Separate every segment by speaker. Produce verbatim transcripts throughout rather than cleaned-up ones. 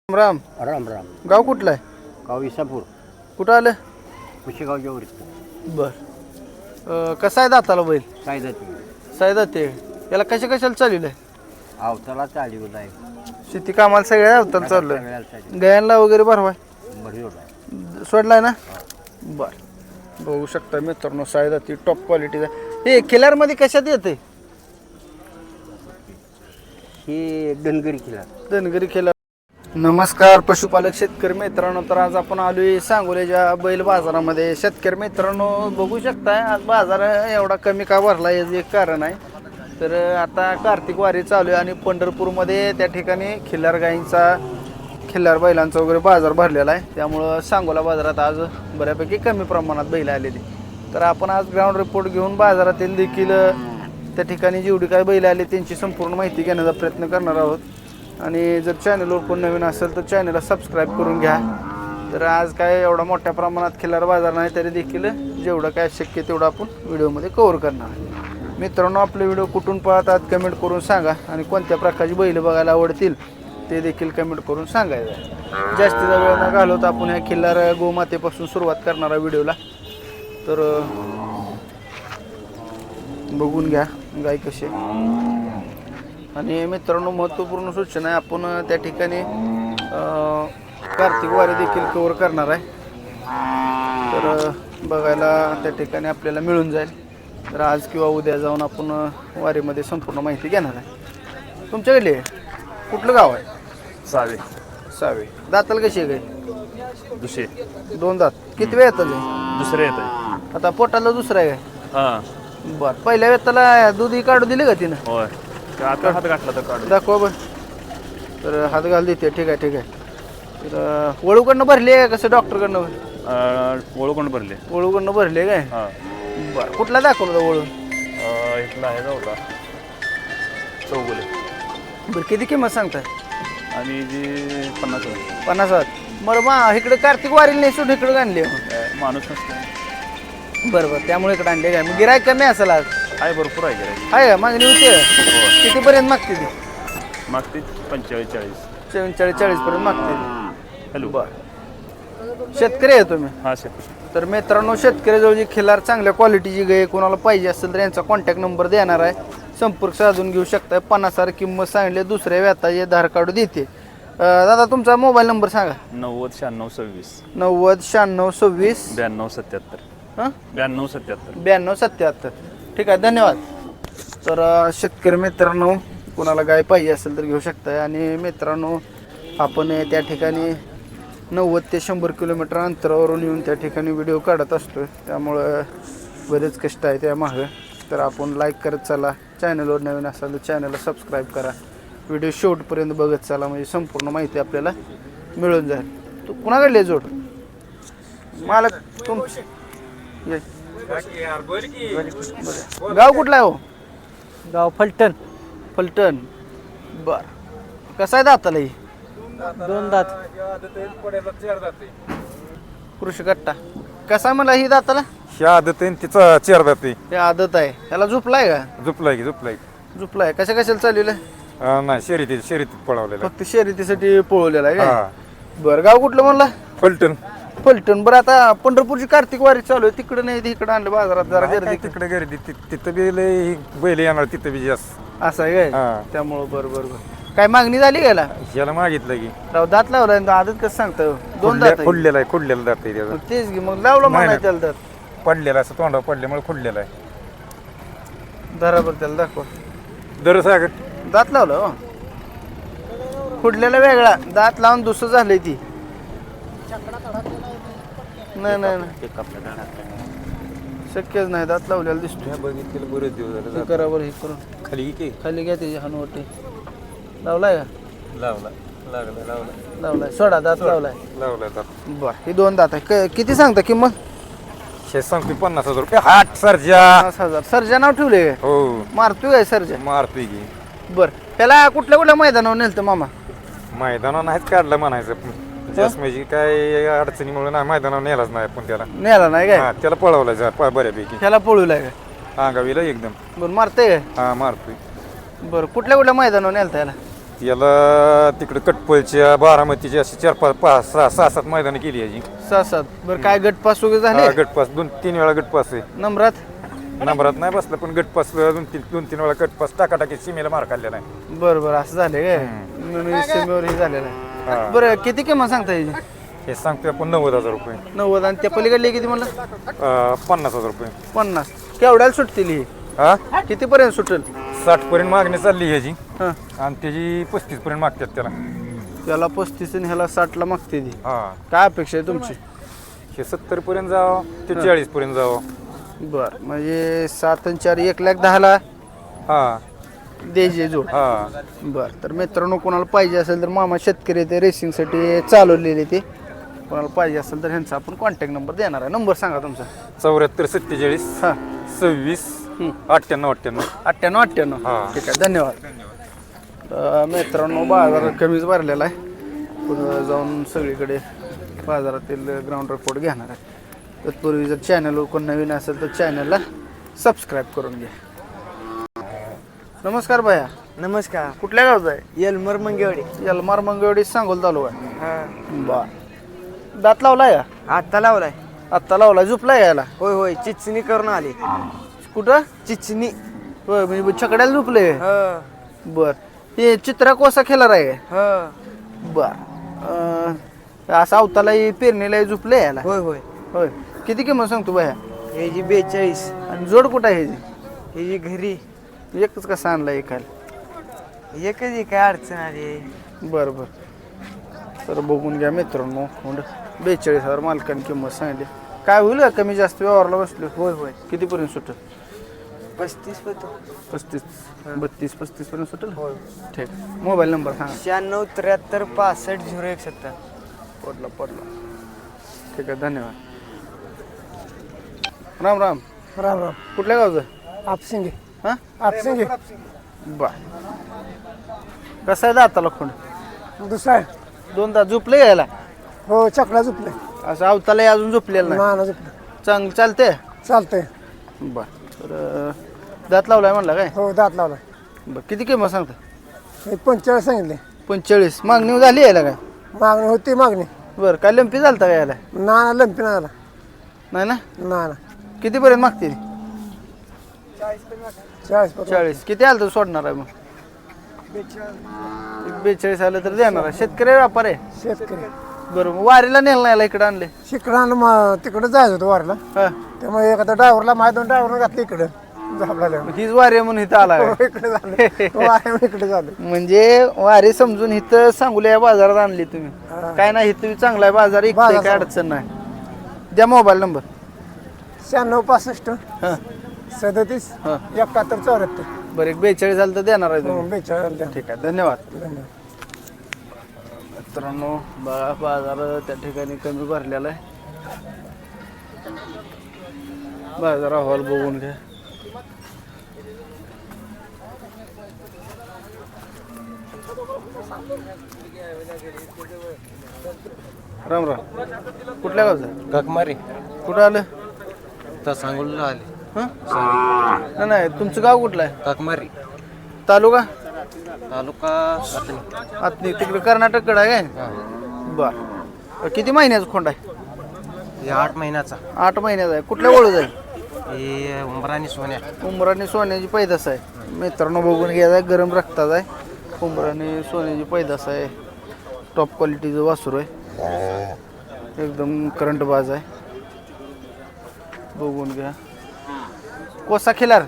Speaker 1: राम
Speaker 2: राम राम.
Speaker 1: गाव कुठलं आहे?
Speaker 2: गाव इसापूर.
Speaker 1: कुठं आलं?
Speaker 2: कुशेगावच्या वर.
Speaker 1: बर अं, कसा आहे दाताला बैल?
Speaker 2: काय जाते
Speaker 1: साय जाते याला कशा कशाला चालू आहे?
Speaker 2: अवताला चालू आहे.
Speaker 1: शेती कामाला सगळ्या अवताला चालू आहे.
Speaker 2: सगळ्याला चालू
Speaker 1: गयांना वगैरे भरवाय
Speaker 2: बरी आहे.
Speaker 1: सोडलाय ना? बर बघू शकता मित्रांनो, साय जाती टॉप क्वालिटीचा. हे किल्लारमध्ये कशात येते?
Speaker 2: ही धनगरी किल्ला.
Speaker 1: धनगरी किल्लार. नमस्कार पशुपालक शेतकरी मित्रांनो, तर आज आपण आलोय सांगोल्याच्या बैल बाजारामध्ये. शेतकरी मित्रांनो बघू शकताय आज बाजार एवढा कमी का भरला याचं एक कारण आहे. तर आता कार्तिक वारी चालू आहे आणि पंढरपूरमध्ये त्या ठिकाणी खिल्लार गाईंचा खिल्लार बैलांचा वगैरे बाजार भरलेला आहे. त्यामुळं सांगोला बाजारात आज बऱ्यापैकी कमी प्रमाणात बैल आलेली. तर आपण आज ग्राउंड रिपोर्ट घेऊन बाजारातील देखील त्या ठिकाणी जेवढी काय बैल आले त्यांची संपूर्ण माहिती घेण्याचा प्रयत्न करणार आहोत. आणि जर चॅनलवर कोण नवीन असेल तर चॅनलला सबस्क्राईब करून घ्या. तर आज काय एवढा मोठ्या प्रमाणात खिल्लार बाजार नाही तरी देखील जेवढं काय शक्य तेवढं आपण व्हिडिओमध्ये कव्हर करणार आहे. मित्रांनो, आपले व्हिडिओ कुठून पाहतात कमेंट करून सांगा आणि कोणत्या प्रकारची बैल बघायला आवडतील ते देखील कमेंट करून सांगायचं. जास्तीचा वेळ न घालवता आपण ह्या खिल्लार गोमातेपासून सुरुवात करणार आहे व्हिडिओला. तर बघून घ्या गाय कशी. आणि मित्रांनो, महत्त्वपूर्ण सूचना आहे, आपण त्या ठिकाणी कार्तिक वारी देखील कव्हर करणार आहे. तर बघायला त्या ठिकाणी आपल्याला मिळून जाईल. तर आज किंवा उद्या जाऊन आपण वारीमध्ये संपूर्ण माहिती घेणार आहे. तुमच्याकडले कुठलं गाव आहे?
Speaker 3: Save
Speaker 1: save. दाताल कशी आहे गाय?
Speaker 3: दुसरे
Speaker 1: दोन दात. किती वेळ येतात?
Speaker 3: दुसरे येत आहे.
Speaker 1: आता पोटाला दुसरा आहे काय?
Speaker 3: हां
Speaker 1: बरं. पहिल्या वेताला दूध काढू दिले का तिनं?
Speaker 3: होय. ते आता हात गाठला तर काढू.
Speaker 1: दाखवा बरं. तर हात घाल देते. ठीक आहे ठीक आहे. तर वळूकडनं भरली आहे कसं? डॉक्टरकडनं
Speaker 3: ओळखून भरले.
Speaker 1: वळूकडनं भरले काय?
Speaker 3: हां
Speaker 1: बरं. कुठला दाखवलं होता वळू?
Speaker 3: इथला आहे होता चौगुले.
Speaker 1: बरं, किती किंमत सांगताय?
Speaker 3: आणि जी पन्नास होती.
Speaker 1: पन्नास हजार. बरं मा इकडे कार्तिक वारीला नाही सोडून इकडे आणले.
Speaker 3: माणूस नसतो.
Speaker 1: बरं बरं, त्यामुळे इकडे आणले काय? मग गिरायक कमी असेल आज?
Speaker 3: आहे भरपूर आहे गिराईक.
Speaker 1: आहे का? मागणी होते कितीपर्यंत मागते ती?
Speaker 3: मागते पंचेचाळीस चाळीस
Speaker 1: चव्वेचाळीस चाळीस पर्यंत मागते.
Speaker 3: हॅलो.
Speaker 1: बरं. शेतकरी आहे तुम्ही?
Speaker 3: हां सर.
Speaker 1: तर मित्रांनो, शेतकऱ्याजवळ जी खिल्लार चांगल्या क्वालिटीची गाय कोणाला पाहिजे असेल तर यांचा कॉन्टॅक्ट नंबर देणार आहे. संपर्क साधून घेऊ शकता. पन्नास हजार किंमत सांगितली. दुसऱ्या व्याताचे धार काढू देते. दादा तुमचा मोबाईल नंबर सांगा.
Speaker 3: नव्वद शहाण्णव सव्वीस
Speaker 1: नव्वद शहाण्णव सव्वीस
Speaker 3: ब्याण्णव सत्याहत्तर.
Speaker 1: हां
Speaker 3: ब्याण्णव सत्याहत्तर
Speaker 1: ब्याण्णव सत्याहत्तर. ठीक आहे, धन्यवाद. तर शेतकरी मित्रांनो, कोणाला गाय पाहिजे असेल तर घेऊ शकता. आणि मित्रांनो, आपण त्या ठिकाणी नव्वद ते शंभर किलोमीटर अंतरावरून येऊन त्या ठिकाणी व्हिडिओ काढत असतो. त्यामुळं बरेच कष्ट आहे त्यामागं. तर आपण लाईक करत चला. चॅनलवर नवीन असाल तर चॅनलला सबस्क्राईब करा. व्हिडिओ शेवटपर्यंत बघत चला म्हणजे संपूर्ण माहिती आपल्याला मिळून जाईल. तू कुणाकडले जोड मालक? तुम गाव कुठला आहे हो?
Speaker 4: गाव फलटण.
Speaker 1: फलटण. बर. कसं आहे दाताला ही?
Speaker 4: दोन दात.
Speaker 1: कृषी कट्टा. कसा आहे मला ही दाताला?
Speaker 5: आदत आहे तिचा चेअर जाते.
Speaker 1: ते आदत आहे. ह्याला झोपलाय का?
Speaker 5: झुपलाय की झुपलाय
Speaker 1: झोपलाय. कशा कशाला चाललेलं?
Speaker 5: अं, नाही शर्यतीत शर्यतीत पळवलेला.
Speaker 1: फक्त शर्यतीसाठी पळवलेला आहे
Speaker 5: हा.
Speaker 1: काय? बरं. गाव कुठलं म्हणला?
Speaker 5: फलटण.
Speaker 1: फलटण. बरं, आता पंढरपूरची कार्तिक वारी चालू आहे, तिकडे नाही इकडे आणलं बाजारात जरा
Speaker 5: काय
Speaker 1: गर्दी.
Speaker 5: तिकडे गर्दी ति- तिथं बी लय बैल येणार तिथं बी जास्त.
Speaker 1: असं आहे काय?
Speaker 5: हा.
Speaker 1: त्यामुळं बरं बरं बरं. काय मागणी झाली गेला?
Speaker 5: याला मागितलं की
Speaker 1: राव दात लावलाय आणि आदत कसं सांगता? दोन दात आहे.
Speaker 5: खुडलेला आहे खुडलेला दात आहे त्याचा.
Speaker 1: मग तेच घे मग लावलं
Speaker 5: नाही,
Speaker 1: म्हणाय त्याला दात.
Speaker 5: पडलेला असं तोंडावर पडल्यामुळे खुडलेला आहे.
Speaker 1: बरोबर त्याला दाखवा.
Speaker 5: दर सागर
Speaker 1: दात लावलं हो. खुडलेला वेगळा, दात लावून दुसरं झालंय ती. नाही नाही नाही, शक्यच नाही. दात लावलेला दिसतोय.
Speaker 5: बघितलेलं बरेच दिवस
Speaker 1: हे
Speaker 5: झाले.
Speaker 1: करा बरं, हे करून
Speaker 5: खाली की
Speaker 1: खाली घ्या त्याची हनुवटी. लावलाय का?
Speaker 5: लावला लागला लावला
Speaker 1: लावलाय. सोडा दात लावलाय.
Speaker 5: लावला दात.
Speaker 1: बर. ही दोन दात आहे. क- किती सांगता किंमत?
Speaker 5: शे सांगते पन्नास हजार रुपये हाट सरजा.
Speaker 1: पन्नास हजार. सर्जा नाव ठेवले काय?
Speaker 5: हो
Speaker 1: मारतोय काय सर्जा?
Speaker 5: मारतोय की.
Speaker 1: बर. त्याला कुठल्या कुठल्या मैदानावर नेलतं मामा?
Speaker 5: मैदानावर नाहीच काढलं म्हणायचं. जास्त म्हणजे काय अडचणीमुळे नाही मैदानावर नेलाच नाही आपण त्याला.
Speaker 1: नेला नाही काय?
Speaker 5: हा, त्याला पळवलं जा प- बऱ्यापैकी
Speaker 1: त्याला पळूलाय काय?
Speaker 5: अंगावीला एकदम.
Speaker 1: बरं. मारतंय काय?
Speaker 5: हा मारतोय.
Speaker 1: बरं. कुठल्या कुठल्या मैदानावर नेलतं त्याला?
Speaker 5: याला तिकडं कटपळच्या बारामतीची अशी चार पाच पाच सहा सहा सात मैदानं केली याची
Speaker 1: सहा सात बरं काय गटपास वगैरे
Speaker 5: हा,
Speaker 1: झाले
Speaker 5: गटपास दोन तीन वेळा गटपास आहे
Speaker 1: नंबरात
Speaker 5: नंबरात नाही बसला पण गटपास दोन तीन दोन तीन वेळा गटपास टाकाटाकी सीमेला मार काढलेला आहे
Speaker 1: बरं बरं असं झाले काय म्हणून सीमेवर हे झालेलं आहे बरं किती किंमत सांगता याची
Speaker 5: हे सांगतोय आपण नव्वद हजार रुपये
Speaker 1: नव्वद आणि त्या पलीकडले किती म्हणलं
Speaker 5: अं, पन्नास हजार रुपये
Speaker 1: पन्नास केवढ्याला सुटतील ही
Speaker 5: हा
Speaker 1: कितीपर्यंत सुटेल
Speaker 5: साठ पर्यंत मागणी चालली ह्याची
Speaker 1: हां
Speaker 5: आणि त्याची पस्तीस पर्यंत मागतात त्याला
Speaker 1: त्याला पस्तीस आणि ह्याला साठला मागते ती
Speaker 5: हा
Speaker 1: काय अपेक्षा आहे तुमची
Speaker 5: हे सत्तर पर्यंत जावं ते चाळीस पर्यंत जावं
Speaker 1: बरं म्हणजे सात आणि चार एक लाख दहाला
Speaker 5: हा
Speaker 1: द्यायचे जोड
Speaker 5: हा
Speaker 1: बरं तर मित्रांनो कोणाला पाहिजे असेल तर मामा शेतकरी ते रेसिंगसाठी चालवलेले ते कोणाला पाहिजे असेल तर ह्यांचा आपण कॉन्टॅक्ट नंबर देणार आहे नंबर सांगा तुमचा
Speaker 5: चौऱ्याहत्तर सत्तेचाळीस
Speaker 1: हां
Speaker 5: सव्वीस अठ्ठ्याण्णव अठ्ठ्याण्णव
Speaker 1: अठ्ठ्याण्णव अठ्ठ्याण्णव
Speaker 5: हां.
Speaker 1: ठीक आहे धन्यवाद तर मित्रांनो बाजार कमीच भरलेला आहे पुढं जाऊन सगळीकडे बाजारातील ग्राउंड रिपोर्ट घेणार आहे तत्पूर्वी जर चॅनलवर कोण नवीन असेल तर चॅनलला सबस्क्राईब करून घ्या नमस्कार भैया
Speaker 4: नमस्कार
Speaker 1: कुठल्या गावचा आहे
Speaker 4: येलमर मंगेवाडी
Speaker 1: यलमार मंगळवाडी सांगोल तालुका
Speaker 4: हा
Speaker 1: बर दात लावलाय का
Speaker 4: आता लावलाय
Speaker 1: आत्ता लावलाय झोपलाय याला
Speaker 4: होय होय चिचणी करून आली
Speaker 1: कुठं
Speaker 4: चिचणी
Speaker 1: होय म्हणजे छकड्याला झोपले
Speaker 4: ह
Speaker 1: बर हे चित्रा कोसा खेळणार आहे
Speaker 4: ह
Speaker 1: बर अं, असं अवताला पेरणीला झोपले याला
Speaker 4: होय होय
Speaker 1: होय किती किंमत सांगतो बाया
Speaker 4: हे जी बेचाळीस
Speaker 1: आणि जोड कुठं आहे ह्याची?
Speaker 4: हे जी घरी
Speaker 1: एकच कसा आणला एकाला
Speaker 4: एकच आहे, काय अडचण आली
Speaker 1: बरं बरं तर बघून घ्या मित्रांनो कोंड बेचाळीस हजार मालकाने किंमत सांगितली काय होईल का कमी जास्त व्यवहारला बसलो
Speaker 4: होय होय
Speaker 1: कितीपर्यंत सुटेल
Speaker 4: पस्तीस होतो
Speaker 1: पस्तीस बत्तीस पस्तीस पर्यंत सुटेल
Speaker 4: होय
Speaker 1: ठीक मोबाईल नंबर सांगा
Speaker 4: शहाण्णव त्र्याहत्तर पासष्ट झिरो एक सत्तर
Speaker 1: पडला पडला ठीक आहे धन्यवाद राम राम
Speaker 6: राम राम
Speaker 1: कुठल्या गावचं
Speaker 6: आपसिंगे
Speaker 1: हां
Speaker 6: आपसिंगे
Speaker 1: बर कसं आहे दाताला खोंड
Speaker 6: दुसरा आहे.
Speaker 1: दोन तास झोपले यायला
Speaker 6: हो चकडा झुपले
Speaker 1: असं अवताला अजून झोपलेलं नाही
Speaker 6: नाना झुपले
Speaker 1: चांगलं चालते
Speaker 6: चालतंय
Speaker 1: बर तर अं, दात लावलाय म्हणला काय
Speaker 6: हो दात लावला
Speaker 1: बर किती किंमत सांगता
Speaker 6: एक पंचेचाळीस सांगितले
Speaker 1: पंचेचाळीस मागणी झाली यायला काय
Speaker 6: मागणी होती मागणी
Speaker 1: बरं काय लंपी झालता काय यायला
Speaker 6: नाना लंपी नाला
Speaker 1: नाही ना
Speaker 6: नाना
Speaker 1: कितीपर्यंत मागते
Speaker 6: चाळीस पर्यंत.
Speaker 1: चाळीस किती आलं तर सोडणार आहे मग एक बेचाळीस आलं तर देणार आहे शेतकरी व्यापार आहे
Speaker 6: शेतकरी
Speaker 1: बरं मग वारीला नेलं नाही याला इकडे आणले
Speaker 6: शिकणार मग तिकडं जायचं होतं वारला
Speaker 1: हा
Speaker 6: त्यामुळे एखादा ड्रायव्हरला माझ्या दोन ड्रायव्हरला घातलं इकडं झापला
Speaker 1: मग हीच वारी आहे म्हणून इथं आला आहे.
Speaker 6: इकडे झालं वाऱ्यामुळे इकडे झालं
Speaker 1: म्हणजे वारी समजून इथं सांगूल्या या बाजारात आणली तुम्ही काय नाही इथं चांगला आहे बाजार एक
Speaker 6: बाजार
Speaker 1: काय अडचण नाही द्या मोबाईल नंबर
Speaker 6: शहाण्णव पासष्ट
Speaker 1: हां
Speaker 6: सदतीस
Speaker 1: हां
Speaker 6: एकाहत्तर चौऱ्याहत्तर
Speaker 1: बरं एक बेचाळीस झालं तर देणार आहे तुम्ही
Speaker 6: बेचाळीस द्या.
Speaker 1: ठीक आहे धन्यवाद
Speaker 6: धन्यवाद
Speaker 1: मित्रांनो बघा बाजार त्या ठिकाणी कमी भरलेला आहे बाजार अहवाल बघून घ्या राम राम कुठल्या गावचं
Speaker 2: गगमारी
Speaker 1: कुठं आलं
Speaker 2: तर सांगोला आले
Speaker 1: हं? नाही नाही तुमचं गाव कुठलं आहे
Speaker 2: गगमारी
Speaker 1: तालुका
Speaker 2: तालुका
Speaker 1: आतनी तिकडे कर्नाटककडे आहे काय बर किती महिन्याचा खोंड आहे
Speaker 2: हे आठ महिन्याचा
Speaker 1: आठ महिन्याचा आहे कुठल्या ओळख आहे
Speaker 2: हे उंबरानी सोन्या
Speaker 1: उंबराने सोन्याची पैदास आहे मित्रांनो बघून घ्यायचा गरम रक्ताचा आहे उंबराने सोन्याची पैदास आहे टॉप क्वालिटीचं वासरू आहे एकदम करंट बाज आहे बघून घ्या कोसा खिलार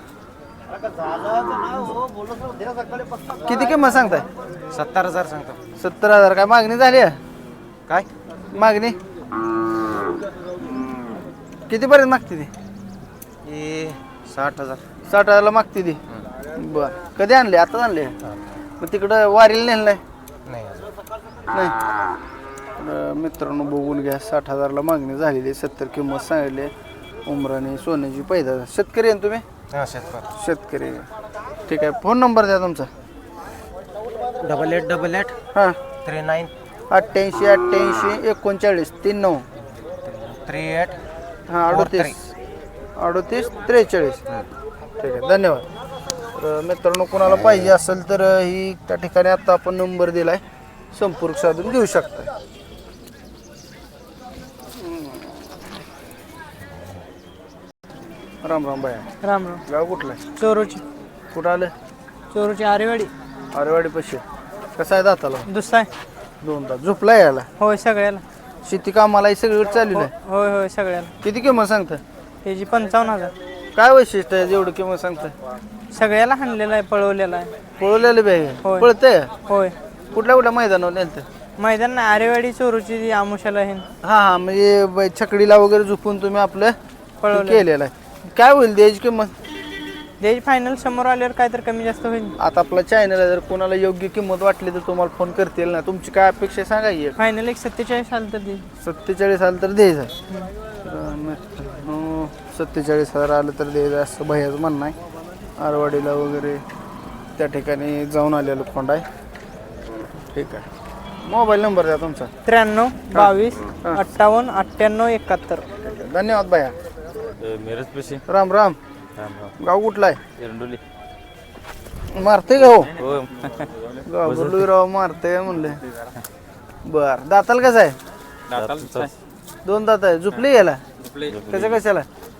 Speaker 1: किती किंमत सांगताय
Speaker 2: सत्तर हजार सांगतो
Speaker 1: सत्तर हजार काय मागणी झाली आहे
Speaker 2: काय
Speaker 1: मागणी कितीपर्यंत मागते ती
Speaker 2: हे साठ हजार
Speaker 1: साठ हजारला मागते ती बर कधी आणले आताच आणले मग तिकडं वारीला नेलं नाही
Speaker 2: नाही अजून.
Speaker 1: नाही तर मित्रांनो बघून घ्या साठ हजारला मागणी झालेली आहे सत्तर किंमत सांगितली आहे उमराने सोन्याची पैदा शेतकरी आहे ना तुम्ही
Speaker 2: हा शेतकरी
Speaker 1: शेतकरी ठीक आहे फोन नंबर द्या तुमचा
Speaker 2: डबल एट डबल एट
Speaker 1: हां
Speaker 2: थ्री नाईन
Speaker 1: अठ्ठ्याऐंशी अठ्ठ्याऐंशी एकोणचाळीस तीन नऊ
Speaker 2: थ्री एट
Speaker 1: हां अडोतीस अडोतीस त्रेचाळीस ठीक आहे धन्यवाद तर मित्रांनो कोणाला पाहिजे असेल तर ही त्या ठिकाणी आता आपण नंबर दिलाय, संपर्क साधून घेऊ शकता. राम राम बाया.
Speaker 4: राम राम.
Speaker 1: गाव कुठलं आहे?
Speaker 4: चोरूची
Speaker 1: कुठं आलं?
Speaker 4: चोरूची आरेवाडी
Speaker 1: आरेवाडी पशी. कसा आहे दाताला?
Speaker 4: दुसरा
Speaker 1: दोन तास झोपला यायला.
Speaker 4: होय सगळ्याला.
Speaker 1: शेती कामाला ही सगळीकडे चालू आहे.
Speaker 4: होय होय सगळ्याला.
Speaker 1: किती किंमत सांगता?
Speaker 4: त्याची पंचावन्न हजार.
Speaker 1: काय वैशिष्ट्य आहे जेवढं किंमत सांगता?
Speaker 4: सगळ्याला हाणलेला आहे, पळवलेला आहे.
Speaker 1: पळवलेलं बॅग
Speaker 4: होय.
Speaker 1: पळतंय.
Speaker 4: होय.
Speaker 1: कुठल्या कुठल्या मैदानावर नेलतं?
Speaker 4: मैदान नाही, आरेवाडी चोरूची आमुशाला आहे.
Speaker 1: हा हा म्हणजे ब- छकडीला वगैरे झुपून तुम्ही आपलं
Speaker 4: पळवलं.
Speaker 1: केलेलं आहे. काय होईल द्यायची किंमत?
Speaker 4: त्याची फायनल समोर आल्यावर काय तर कमी जास्त होईल.
Speaker 1: आता आपला चॅनल आहे, जर कोणाला योग्य किंमत वाटली तर तुम्हाला फोन करतील ना. तुमची काय अपेक्षा आहे सांगा की.
Speaker 4: फायनल एक सत्तेचाळीस आलं तर दे.
Speaker 1: सत्तेचाळीस आलं तर द्यायचं. मित्रांनो, सत्तेचाळीस हजार आलं तर द्यायचं असं भैयाचं म्हणणं आहे. आरवाडीला वगैरे त्या ठिकाणी जाऊन आलेलो खोंड आहे. ठीक आहे. मोबाईल नंबर द्या तुमचा.
Speaker 4: त्र्याण्णव बावीस अठ्ठावन्न अठ्ठ्याण्णव एकाहत्तर.
Speaker 1: धन्यवाद भैया.
Speaker 5: मिरज पशी
Speaker 1: राम राम. गाव कुठला आहे?
Speaker 5: एरंडोली.
Speaker 1: मारते का हो?
Speaker 5: हो.
Speaker 1: गाव बोललो राव मारते म्हणले. बर दाताल कसं आहे? दोन दात आहे. झुपली याला कसं कशाला?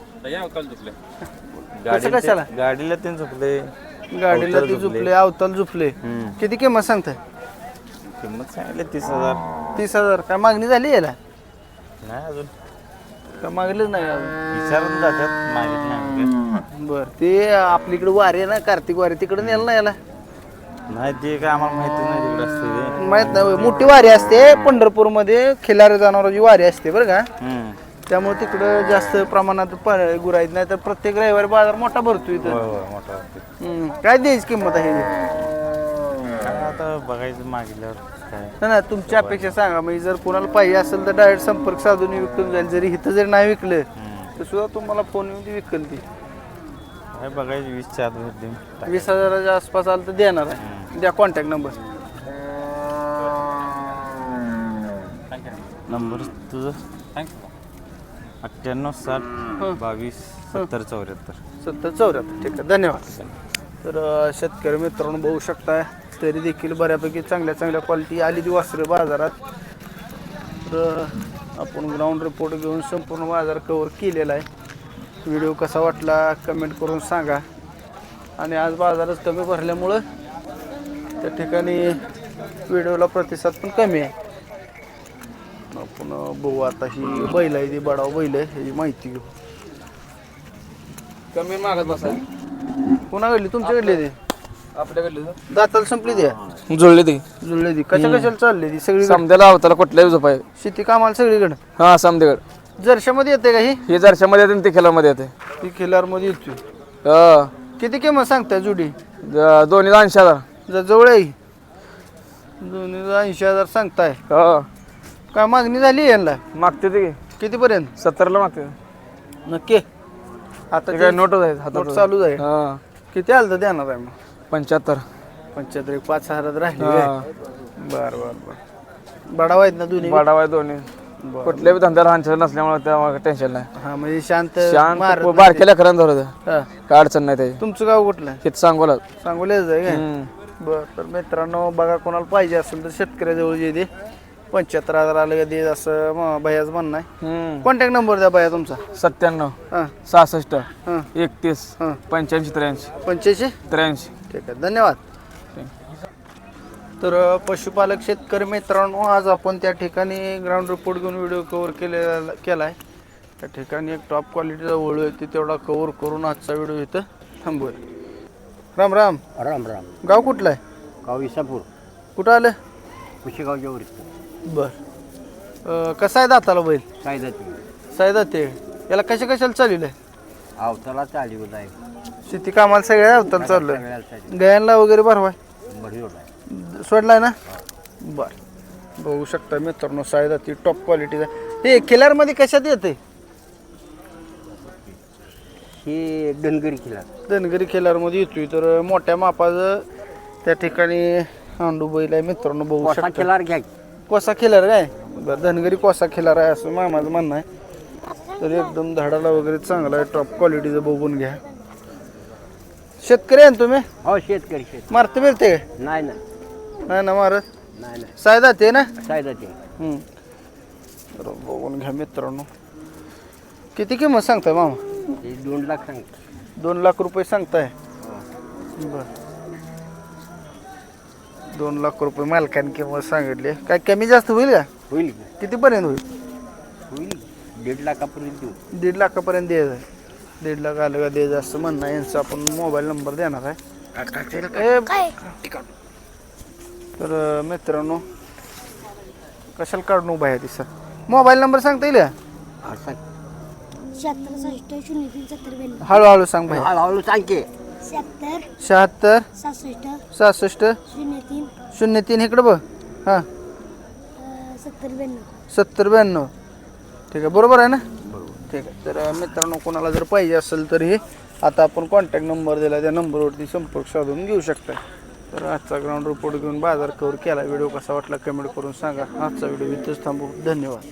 Speaker 1: कसं कशाला?
Speaker 5: गाडीला तीन झोपले.
Speaker 1: गाडीला ती झुपले, अवताल झुपले. किती किंमत सांगताय?
Speaker 5: किंमत सांगितली तीस हजार.
Speaker 1: तीस हजार. काय मागणी झाली याला?
Speaker 5: नाही अजून
Speaker 1: का मागलीच नाही अजून?
Speaker 5: विचारून जातात, मागित नाही.
Speaker 1: बर ते आपलीकडे वारी आहे ना, कार्तिक वारी, तिकडे नेलं ना याला?
Speaker 5: नाही ते काय आम्हाला माहिती नाही तिकडे असते ते.
Speaker 1: माहित नाही. मोठी वारी असते पंढरपूर मध्ये, खिलार जनावरांची वारी असते बरं का.
Speaker 5: हम्म.
Speaker 1: त्यामुळे तिकडं जास्त प्रमाणात गुराईत नाही तर प्रत्येक रविवारी बाजार मोठा भरतो इथं.
Speaker 5: होय होय मोठा असते.
Speaker 1: हम्म. काय द्यायची किंमत आहे हिची?
Speaker 5: काय आता बघायचं मागितल्यावर काय.
Speaker 1: नाही ना, तुमची अपेक्षा सांगा. म्हणजे जर कोणाला पाहिजे असेल तर डायरेक्ट संपर्क साधून विकून जाईल. जरी इथं जरी नाही विकलं तर सुद्धा तुम्हाला फोन येऊन ती विकल ती.
Speaker 5: काय बघायचं वीसच्या आत भेट देईन.
Speaker 1: वीस हजाराच्या आसपास आलं तर देणार आहे. द्या कॉन्टॅक्ट नंबर.
Speaker 5: नंबर तुझं अठ्ठ्याण्णव साठ बावीस सत्तर चौऱ्याहत्तर.
Speaker 1: सत्तर चौऱ्याहत्तर. ठीक आहे, धन्यवाद. तर अं, शेतकरी मित्रांनो बघू शकताय तरी देखील बऱ्यापैकी चांगल्या चांगल्या क्वालिटी आली ती वासरं बाजारात. तर आपण ग्राउंड रिपोर्ट घेऊन संपूर्ण बाजार कव्हर केलेला आहे. व्हिडिओ कसा वाटला कमेंट करून सांगा. आणि आज बाजारच कमी भरल्यामुळं त्या ठिकाणी व्हिडिओला प्रतिसाद पण कमी आहे. आपण बघू आता ही बैल आहे, ती बडाव बैल आहे, ह्याची माहिती घेऊ.
Speaker 2: कमी मागत बसा.
Speaker 1: कोणाकडली? तुमच्याकडली ती?
Speaker 2: आपल्याकडले
Speaker 1: दाताला संपली ती?
Speaker 2: जुळले ते
Speaker 1: जुळले ती. कशा कशाला चालली ती सगळी?
Speaker 2: समद्याला अवताला कुठल्याही झोपाय.
Speaker 1: शेती कामाला सगळीकडे.
Speaker 2: हा समदेगड.
Speaker 1: जर्शामध्ये येते का ही?
Speaker 2: हे जरशामध्ये येते आणि ते खेळामध्ये येते.
Speaker 1: ती खिलारमध्ये येते.
Speaker 2: हा.
Speaker 1: किती किंमत सांगताय जोडी?
Speaker 2: ज- दोन्ही ऐंशी हजार.
Speaker 1: जर जवळ आहे दोन्ही ऐंशी हजार सांगताय.
Speaker 2: हा
Speaker 1: काय मागणी झाली यांना?
Speaker 2: मागते ते
Speaker 1: कितीपर्यंत?
Speaker 2: सत्तरला मागते.
Speaker 1: नक्की. आता
Speaker 2: ते काय
Speaker 1: ते
Speaker 2: नोटच आहेत
Speaker 1: नोट
Speaker 2: हातात.
Speaker 1: चालूच आहे.
Speaker 2: हा
Speaker 1: किती आलं तर देणार आहे मग?
Speaker 2: पंच्याहत्तर.
Speaker 1: पंच्याहत्तर. एक पाच हजार राहिले.
Speaker 2: हा.
Speaker 1: बर बर बर. बडाव आहेत ना दोन्ही?
Speaker 2: बाडाव आहे दोन्ही.
Speaker 1: बरं.
Speaker 2: कुठल्याही धंद्याला हांचर नसल्यामुळे त्यामुळे टेन्शन नाही.
Speaker 1: हा म्हणजे शांत
Speaker 2: शांत
Speaker 1: मारत नाही
Speaker 2: बारकेल्या खरं धरत
Speaker 1: ते. हा.
Speaker 2: काय अडचण नाही त्याची.
Speaker 1: तुमचं गाव कुठलं?
Speaker 2: हेच सांगोला.
Speaker 1: सांगोल्याच आहे काय?
Speaker 2: हम्म.
Speaker 1: बर. तर मित्रांनो बघा कोणाला पाहिजे असेल तर शेतकऱ्याजवळ जे दे पंच्याहत्तर हजार आलं का दे असं म- भैयाचं म्हणणं आहे.
Speaker 2: हम्म.
Speaker 1: कॉन्टॅक्ट नंबर द्या भैया तुमचा.
Speaker 2: सत्त्याण्णव
Speaker 1: हां
Speaker 2: सहासष्ट
Speaker 1: हां
Speaker 2: एकतीस
Speaker 1: हां.
Speaker 2: पंच्याऐंशी त्र्याऐंशी
Speaker 1: पंच्याऐंशी.
Speaker 2: त्र्याऐंशी.
Speaker 1: ठीक आहे, धन्यवाद. तर अ, पशुपालक शेतकरी मित्रांनो आज आपण त्या ठिकाणी ग्राउंड रिपोर्ट घेऊन व्हिडिओ कव्हर केलेला केला आहे. त्या ठिकाणी एक टॉप क्वालिटीचा वळू आहे ती तेवढा कव्हर करून आजचा व्हिडिओ इथं थांबूया. राम राम.
Speaker 6: राम राम.
Speaker 1: गाव कुठलं आहे?
Speaker 6: गाव इसापूर
Speaker 1: कुठं आलं?
Speaker 6: कुशीगावच्या वर
Speaker 1: बर. अ, कसा आहे दाताला बैल?
Speaker 6: काय जाते
Speaker 1: सायदा ते याला कशा कशाला चालवलं आहे?
Speaker 6: आवताला चालीवर आहे.
Speaker 1: शेती कामाला सगळ्या अवताला चाललोय.
Speaker 6: सगळ्यासाठी
Speaker 1: गयांना वगैरे भरवाय
Speaker 6: बढीवर आहे.
Speaker 1: सोडलाय ना? बर. बघू शकता मित्रांनो सायदा ती टॉप क्वालिटीचा. हे किल्लारमध्ये कशात येते?
Speaker 6: ही धनगरी किल्ला
Speaker 1: धनगरी खिलारमध्ये येतोय. तर मोठ्या मापाचं त्या ठिकाणी हांडू बैल आहे मित्रांनो बघू
Speaker 6: कोसा
Speaker 1: शकता.
Speaker 6: किल्लार घ्या.
Speaker 1: कोसा खिलार काय? बरं, धनगरी कोसा खिलार आहे असं मामाचं म्हणणं आहे. तर एकदम धाडाला वगैरे चांगला आहे, टॉप क्वालिटीचं बघून घ्या. शेतकरी आहे ना तुम्ही
Speaker 7: हो शेतकरी शेत
Speaker 1: मारते बिरते का
Speaker 7: नाही ना
Speaker 1: नाही ना मारत
Speaker 7: नाही नाही
Speaker 1: सायदा ते ना
Speaker 7: सायदाचे
Speaker 1: हम्म. तर बघून घ्या मित्रांनो किती किंमत सांगताय मामा
Speaker 7: हे दोन लाख सांगतो
Speaker 1: दोन लाख रुपये सांगताय बर दोन लाख रुपये मालकाने किंमत सांगितली काय कमी जास्त होईल का
Speaker 7: होईल की?
Speaker 1: कितीपर्यंत होईल
Speaker 7: होईल दीड लाखापर्यंत देऊ
Speaker 1: दीड लाखापर्यंत द्यायचं आहे दीड लाख आलं का द्यायचं असं म्हणणं आहे यांचा आपण मोबाईल नंबर देणार आहे ए, तर अं, मित्रांनो कशाला काढून उभा आहे तिचा मोबाईल नंबर सांगता येईल का
Speaker 7: हा, सांग
Speaker 8: शहात्तर सहासष्ट शून्य तीन सत्तर ब्याण्णव
Speaker 1: हळूहळू सांग भाई
Speaker 7: हळूहळू सांग की
Speaker 8: शहात्तर
Speaker 1: शहात्तर
Speaker 8: सहासष्ट
Speaker 1: सहासष्ट
Speaker 8: शून्य तीन
Speaker 1: शून्य तीन इकडं बघ हां
Speaker 8: अं, सत्तर ब्याण्णव
Speaker 1: सत्तर ब्याण्णव ठीक आहे बरोबर आहे ना ठीक आहे तर अं, मित्रांनो कोणाला जर पाहिजे असेल तर हे आता आपण कॉन्टॅक्ट नंबर दिला त्या नंबरवरती संपर्क साधून घेऊ शकता तर आजचा ग्राउंड रिपोर्ट घेऊन बाजार कव्हर केला व्हिडिओ कसा वाटला कमेंट करून सांगा आजचा व्हिडिओ इथंच थांबू धन्यवाद